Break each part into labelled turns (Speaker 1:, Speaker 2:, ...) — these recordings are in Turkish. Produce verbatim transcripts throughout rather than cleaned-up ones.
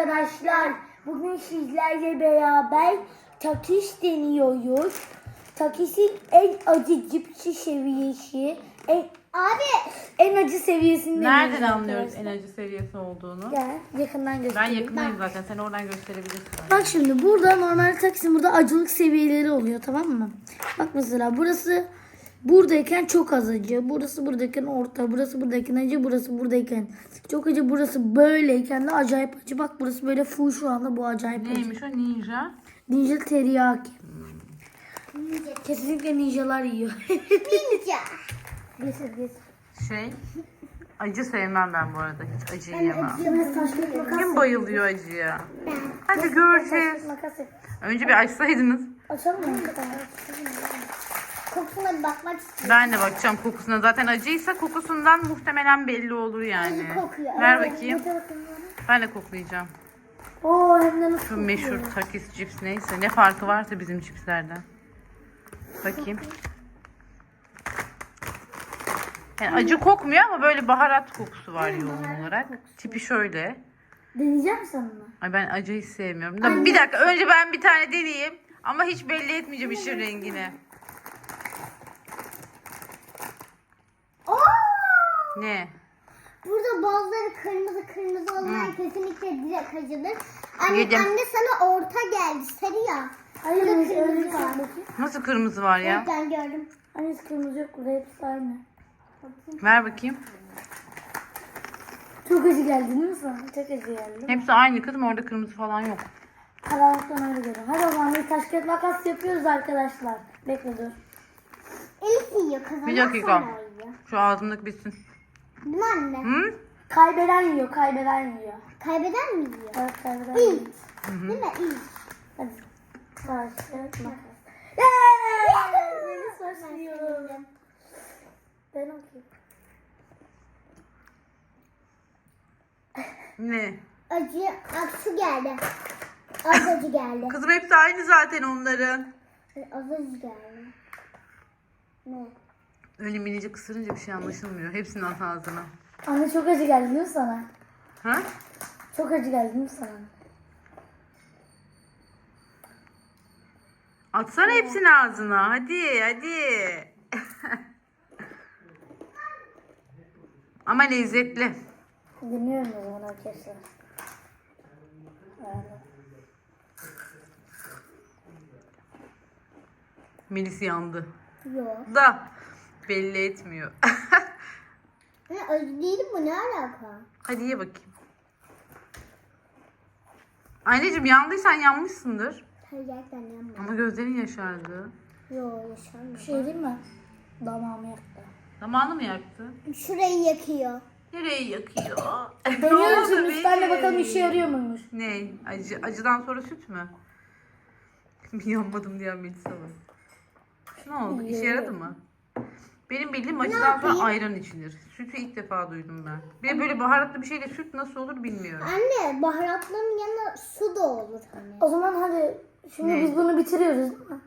Speaker 1: arkadaşlar. Bugün sizlerle beraber Takis deniyoruz. Takis'in en acı cipsi seviyesi. En, abi en acı seviyesini
Speaker 2: Nereden
Speaker 1: deniyoruz
Speaker 2: anlıyoruz
Speaker 1: arkadaşlar.
Speaker 2: en acı seviyesi olduğunu?
Speaker 1: Gel yakından
Speaker 2: Ben
Speaker 1: göstereyim.
Speaker 2: yakındayım zaten. Sen oradan gösterebilirsin.
Speaker 1: Bak şimdi burada normal Takis'in burada acılık seviyeleri oluyor, tamam mı? Bak mesela burası buradayken çok az acı. Burası buradayken orta. Burası buradayken acı. Burası buradayken çok acı. Burası böyleyken de acayip acı. Bak burası böyle full şu anda, bu acayip acı.
Speaker 2: Neymiş o ninja?
Speaker 1: Ninja teriyaki. Ninja. Kesinlikle ninjalar yiyor. Ninja. Getir getir.
Speaker 2: Şey, acı sevmem ben bu arada. Hiç acı yiyemem.
Speaker 1: Kim
Speaker 2: Kim bayılıyor acıya? Hadi göreceğiz.
Speaker 1: Makas et.
Speaker 2: Önce bir açsaydınız.
Speaker 1: Açalım mı? Kokusuna bir bakmak istiyorum.
Speaker 2: Ben de bakacağım kokusuna. Zaten acıysa kokusundan muhtemelen belli olur yani.
Speaker 1: Acı kokuyor.
Speaker 2: Ver
Speaker 1: Evet,
Speaker 2: bakayım.
Speaker 1: bakın bana.
Speaker 2: Ben de koklayacağım.
Speaker 1: Oo, hem de nasıl
Speaker 2: Şu
Speaker 1: kokuyor.
Speaker 2: meşhur Takis cips neyse. Ne farkı varsa bizim cipslerden. Bakayım. Yani acı kokmuyor ama böyle baharat kokusu var yoğun olarak. Tipi şöyle.
Speaker 1: Deneyeceğim misin onu?
Speaker 2: Ay ben acıyı hiç sevmiyorum. Da bir dakika önce ben bir tane deneyeyim. Ama hiç belli etmeyeceğim işin rengini.
Speaker 1: Oo!
Speaker 2: Ne?
Speaker 1: Burada bazıları kırmızı kırmızı olan kesinlikle direkt acıdır. Anne,
Speaker 2: Yedim.
Speaker 1: anne sana orta geldi, sarı ya. Hayır, kırmızı var.
Speaker 2: Nasıl kırmızı var ya?
Speaker 1: Evet, ben gördüm. Anne kırmızı yok, burada hepsi aynı.
Speaker 2: Ver bakayım.
Speaker 1: Çok acı geldi değil mi sana? Çok acı geldi.
Speaker 2: Hepsi aynı kızım, orada kırmızı falan yok.
Speaker 1: Karanlıktan öyle görüyorum. Hadi o zaman bir taş kağıt makas yapıyoruz arkadaşlar. Bekle dur. Elif yiyor, kazanan
Speaker 2: Bir dakika. Şu ağzımdaki bitsin.
Speaker 1: Değil mi anne?
Speaker 2: Hı?
Speaker 1: Kaybeden yiyor, kaybeden yiyor. Kaybeden mi yiyor? Evet, kaybeden yiyor. Değil mi? İyi. Hadi. Taş kağıt makas. Yeee! Beni saçlıyorum. Ben okuyayım.
Speaker 2: Ne?
Speaker 1: Acı, aksu geldi. Az acı geldi.
Speaker 2: Kızım hepsi aynı zaten onların.
Speaker 1: Az acı geldi. Ne?
Speaker 2: Öyle minicik ısırınca bir şey anlaşılmıyor. Hepsinin at ağzına.
Speaker 1: Anne çok acı geldi değil mi sana?
Speaker 2: Ha?
Speaker 1: Çok acı geldi değil mi sana?
Speaker 2: Atsana hepsini ağzına. Hadi hadi. Ama lezzetli.
Speaker 1: Dinliyorum o zaman arkadaşlar.
Speaker 2: Melis yandı.
Speaker 1: Yok.
Speaker 2: Da belli etmiyor.
Speaker 1: Ne, acı değil bu, ne alaka?
Speaker 2: Hadi ye bakayım. Anneciğim yandıysan yanmışsındır.
Speaker 1: Hayır, gerçekten yanmadı.
Speaker 2: Ama gözlerin yaşardı.
Speaker 1: Yok, yaşanmıyor. Bir şey değil mi? Damağımı yaktı.
Speaker 2: Zamanı mı yaktı?
Speaker 1: Şurayı yakıyor.
Speaker 2: Nereyi yakıyor?
Speaker 1: Deniyorum
Speaker 2: oldu
Speaker 1: şimdi, üstten de
Speaker 2: benim?
Speaker 1: bakalım işe yarıyor muymuş?
Speaker 2: Ne? Acı, acıdan sonra süt mü? Yanmadım diyen Melisa var. Ne oldu? İşe yaradı mı? Benim bildiğim acıdan sonra ayran içilir. Sütü ilk defa duydum ben. Bir de böyle baharatlı bir şeyle süt nasıl olur bilmiyorum.
Speaker 1: Anne, baharatların yanına su da olur hani. O zaman hadi şimdi
Speaker 2: Ne?
Speaker 1: biz bunu bitiriyoruz değil mi?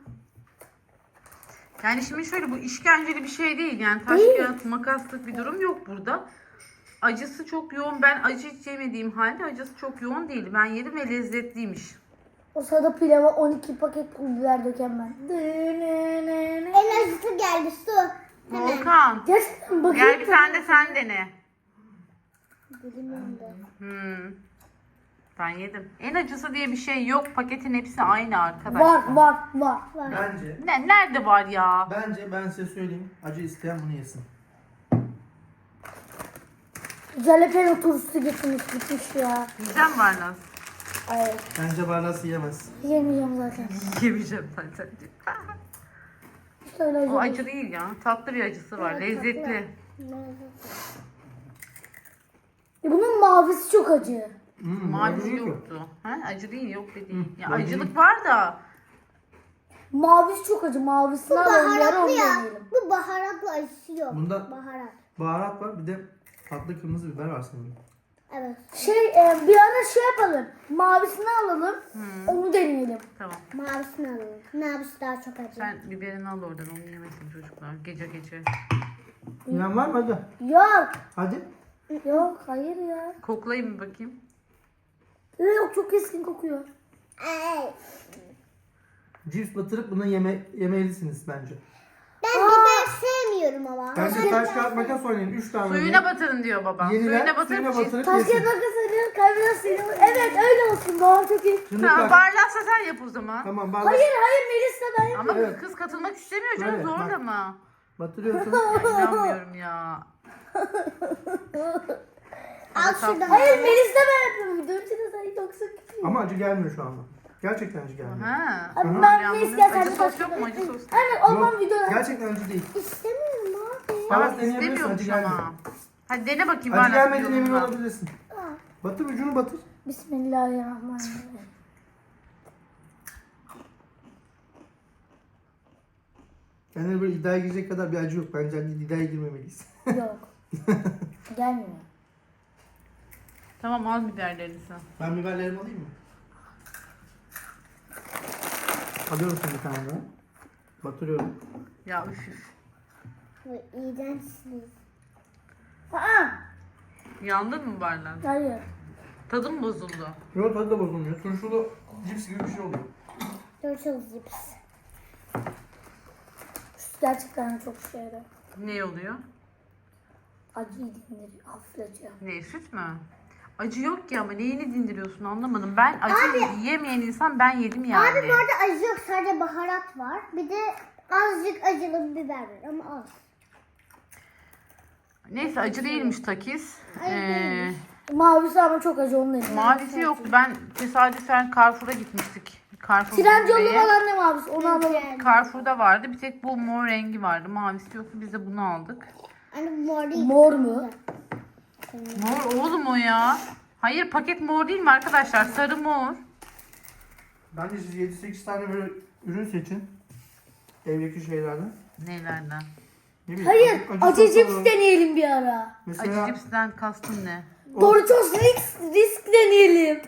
Speaker 2: Yani şimdi şöyle, bu işkenceli bir şey değil. Yani taş
Speaker 1: Değil.
Speaker 2: kağıt makaslık bir durum yok burada. Acısı çok yoğun. Ben acı hiç yemediğim halde acısı çok yoğun değil. Ben yedim ve lezzetliymiş.
Speaker 1: O sırada pilava on iki paket pul biber döken ben. En acısı geldi, su.
Speaker 2: Volkan.
Speaker 1: Gerçekten bakayım.
Speaker 2: Gel bir tane de sen dene.
Speaker 1: Dilimim de.
Speaker 2: Hmm. Ben yedim. En acısı diye bir şey yok. Paketin hepsi aynı arkadaşlar.
Speaker 1: Var var var. var.
Speaker 3: Bence,
Speaker 2: Ne, nerede var ya?
Speaker 3: bence ben size söyleyeyim. Acı isteyen bunu yesin.
Speaker 1: Jalapeno turşusu getirmiş bitmiş ya.
Speaker 2: Yiyeceğim var Naz.
Speaker 1: Hayır.
Speaker 3: Bence Barlas yiyemez.
Speaker 1: Yemeyeceğim zaten.
Speaker 2: Yemeyeceğim zaten.
Speaker 1: Hiç öyle acı
Speaker 2: O
Speaker 1: değil.
Speaker 2: acı değil ya. Tatlı bir acısı var.
Speaker 1: Evet,
Speaker 2: Lezzetli.
Speaker 1: E bunun mavisi çok acı.
Speaker 3: Hmm,
Speaker 2: Mavisi
Speaker 3: acı yok.
Speaker 2: yoktu. Ha? Acı değil, yok dediğin.
Speaker 3: Hı,
Speaker 2: Ya
Speaker 3: acı
Speaker 2: acılık
Speaker 3: değil.
Speaker 2: var da.
Speaker 1: Mavisi çok acı. Mavisini alalım. Yarı onu deneyelim.
Speaker 4: Bu baharatlı acısı yok.
Speaker 3: Bunda
Speaker 4: Baharat.
Speaker 3: baharat var, bir de tatlı kırmızı biber var sanırım.
Speaker 4: Evet.
Speaker 1: Şey e, bir ara şey yapalım. Mavisini alalım. Onu deneyelim.
Speaker 2: Tamam.
Speaker 4: Mavisini alalım. Mavisi daha çok acı.
Speaker 2: Sen biberini al oradan. Onu yemesin çocuklar. Gece gece.
Speaker 3: İnan var mı hadi?
Speaker 1: Yok.
Speaker 3: Hadi.
Speaker 1: Yok hayır ya.
Speaker 2: Koklayayım mı bakayım?
Speaker 1: Ee, Yok çok keskin kokuyor.
Speaker 4: Ay.
Speaker 3: Cips batırıp bunu yeme, yemelisiniz bence.
Speaker 4: Ben biber sevmiyorum ama.
Speaker 3: Bence taş kağıt makas oynayın. üç tane
Speaker 2: Suyuna
Speaker 3: oynayın.
Speaker 2: batırın diyor babam.
Speaker 3: Yeniler
Speaker 2: Suyuna batırıp
Speaker 3: suyuna
Speaker 2: cips.
Speaker 3: batırıp
Speaker 1: Taş
Speaker 3: yesin.
Speaker 1: kağıt makas arıyor. Kaybeden seni. Evet öyle olsun. Doğru çok iyi.
Speaker 3: Şimdi
Speaker 2: Tamam
Speaker 3: bak.
Speaker 2: barlaksa sen yap o zaman.
Speaker 3: Tamam bardak
Speaker 1: Hayır hayır Melis de ben.
Speaker 2: Ama
Speaker 3: Evet.
Speaker 2: kız katılmak istemiyor canım
Speaker 3: Evet, bak.
Speaker 2: zorlama.
Speaker 3: batırıyorsun.
Speaker 2: Ya inanmıyorum ya.
Speaker 4: Al şuradan.
Speaker 1: Hayır Melis de ben yapıyorum. Videonun içinde sen çok sık.
Speaker 3: Ama acı gelmiyor şu anda. Gerçekten acı gelmiyor.
Speaker 2: Ha.
Speaker 1: Abi
Speaker 3: Hı.
Speaker 1: ben
Speaker 2: Ya
Speaker 1: Melis
Speaker 2: bunun
Speaker 1: gel sen
Speaker 2: acı
Speaker 1: de
Speaker 2: sos
Speaker 1: taş
Speaker 2: yok mu?
Speaker 1: kağıt
Speaker 2: Acı sos.
Speaker 1: Aynen olmam
Speaker 3: Yok,
Speaker 1: videoda.
Speaker 3: gerçekten acı değil.
Speaker 4: İstemiyorum abi.
Speaker 3: Tamam,
Speaker 2: Bak
Speaker 3: deneyebilirsin,
Speaker 2: istemiyormuş
Speaker 3: acı gelmiyor.
Speaker 2: ama. Hadi dene bakayım.
Speaker 3: Acı
Speaker 2: bardak
Speaker 3: gelmediğine emin
Speaker 2: yolunda.
Speaker 3: olabilirsin. Batır ucunu batır.
Speaker 1: Bismillahirrahmanirrahim.
Speaker 3: Yani böyle iddiaya girecek kadar bir acı yok. Bence hani iddiaya girmemeliyiz.
Speaker 1: Yok. Gelmiyor.
Speaker 2: Tamam al biberlerini sen.
Speaker 3: Ben biberlerimi alayım mı? Alıyorum şimdi bir tane daha. Batırıyorum.
Speaker 2: Ya üf üf.
Speaker 4: Bu iğrençsiniz.
Speaker 1: Aa,
Speaker 2: Yandın mı bardak?
Speaker 1: hayır.
Speaker 2: Tadı mı bozuldu?
Speaker 3: Yok tadı da bozulmuyor. Turşulu cips gibi bir şey oluyor.
Speaker 4: Turtle cips.
Speaker 1: Gerçekten çok şeyde.
Speaker 2: Ne oluyor?
Speaker 1: Acıyı dindiriyor. Hafifletiyor.
Speaker 2: Ne süt mü? Acı yok ki ama neyini dindiriyorsun anlamadım. Ben acı yemeyen insan ben yedim yani.
Speaker 4: Abi bu arada acı yok. Sadece baharat var. Bir de azıcık acılı bir biber var ama az.
Speaker 2: Neyse acı değilmiş takis. Ee,
Speaker 1: Mavisi ama çok acı onun elinde.
Speaker 2: mavisi yoktu. Ben tesadüfen Carrefour'a gitmiştik. Carrefour
Speaker 1: Trendyol'da
Speaker 2: Bey'e.
Speaker 1: olan ne mavisi? Onu alalım.
Speaker 2: Carrefour'da vardı. Bir tek bu mor rengi vardı. Mavisi yoktu. Biz de bunu aldık.
Speaker 4: Hani mor değil.
Speaker 1: Mor mu?
Speaker 2: Mor oğlum o ya. Hayır paket mor değil mi arkadaşlar? Sarı mor.
Speaker 3: Bence siz yedi sekiz tane böyle ürün seçin. Evdeki şeylerden.
Speaker 2: Nelerden?
Speaker 3: Ne bileyim,
Speaker 1: Hayır. Acı
Speaker 3: sos
Speaker 1: cips
Speaker 3: alalım.
Speaker 1: deneyelim bir ara.
Speaker 3: Mesela
Speaker 2: Acı cipsten kastın ne?
Speaker 1: Doritos risk, risk deneyelim.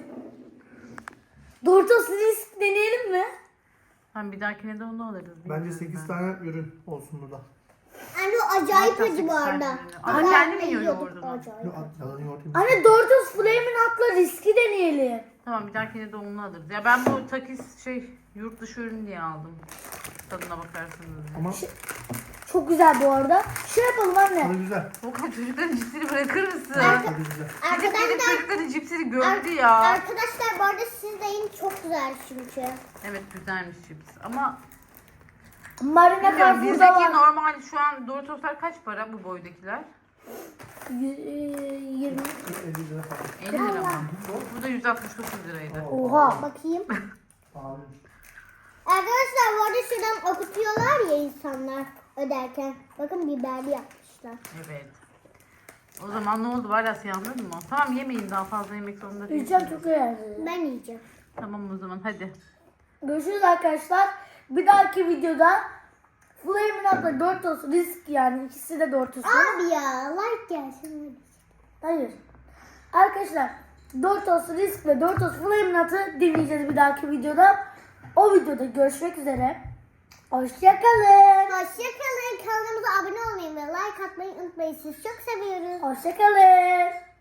Speaker 1: Doritos risk deneyelim mi?
Speaker 2: Tamam bir dahakine de onu alırız.
Speaker 3: bence
Speaker 2: bilmiyorum
Speaker 3: sekiz
Speaker 2: ben.
Speaker 3: tane ürün olsun burada.
Speaker 4: Hani o acayip
Speaker 2: Hatta
Speaker 4: acı bu
Speaker 2: sekiz
Speaker 4: arada.
Speaker 2: tane ürün. Ama
Speaker 4: Ama
Speaker 2: kendi mi
Speaker 4: ben
Speaker 2: yiyor
Speaker 4: yiyordum,
Speaker 2: yoğurdunu?
Speaker 4: acayip.
Speaker 3: Yok at yalan yoğurt yemiş.
Speaker 1: Anne Doritos Flamin' Hot'la riski deneyelim.
Speaker 2: Tamam bir dahakine de onu alırız. Ya ben bu takis şey yurt dışı ürün diye aldım. Tadına bakarsınız diye.
Speaker 3: Ama
Speaker 1: Çok güzel bu arada. Şey yapalım anne.
Speaker 3: tadı güzel.
Speaker 2: Volkan çocukların cipsini bırakır mısın?
Speaker 3: Tadı güzel.
Speaker 2: Bir de benim
Speaker 4: Arkadaşlar,
Speaker 2: çocukların cipsini gördü
Speaker 4: ar-
Speaker 2: ya.
Speaker 4: arkadaşlar bu arada siz de yiyin, çok güzel çünkü.
Speaker 2: Evet güzelmiş cips. Ama
Speaker 1: Marina
Speaker 2: bilmiyorum
Speaker 1: Carrefour'da
Speaker 2: bizdeki
Speaker 1: var.
Speaker 2: normal şu an Doritoslar kaç para bu boydakiler?
Speaker 1: Y- e, yirmi.
Speaker 3: elli lira falan.
Speaker 2: elli lira mı? Bu da yüz altmış dokuz liraydı.
Speaker 1: Oha.
Speaker 4: Bakayım.
Speaker 3: Pahalı.
Speaker 4: Arkadaşlar bu arada şuradan okutuyorlar ya insanlar öderken. Bakın biberli yapmışlar.
Speaker 2: Evet. O zaman ne oldu? Valas yandın mı? Tamam yemeyin daha fazla yemek zorunda değilsiniz.
Speaker 1: Yiyeceğim çok güzel.
Speaker 4: Ben yiyeceğim.
Speaker 2: Tamam o zaman hadi.
Speaker 1: Görüşürüz arkadaşlar. Bir dahaki videoda Flamin' Hot'la Doritos risk yani ikisi de Doritos.
Speaker 4: Abi ya like gelsin.
Speaker 1: Hayır. Arkadaşlar Doritos risk ve Doritos Flamin' Hot'ı dinleyeceğiz bir dahaki videoda. O videoda görüşmek üzere. Hoşçakalın.
Speaker 4: Hoşçakalın. Kanalımıza abone olmayı ve like atmayı unutmayın. Sizi çok seviyoruz.
Speaker 1: Hoşçakalın.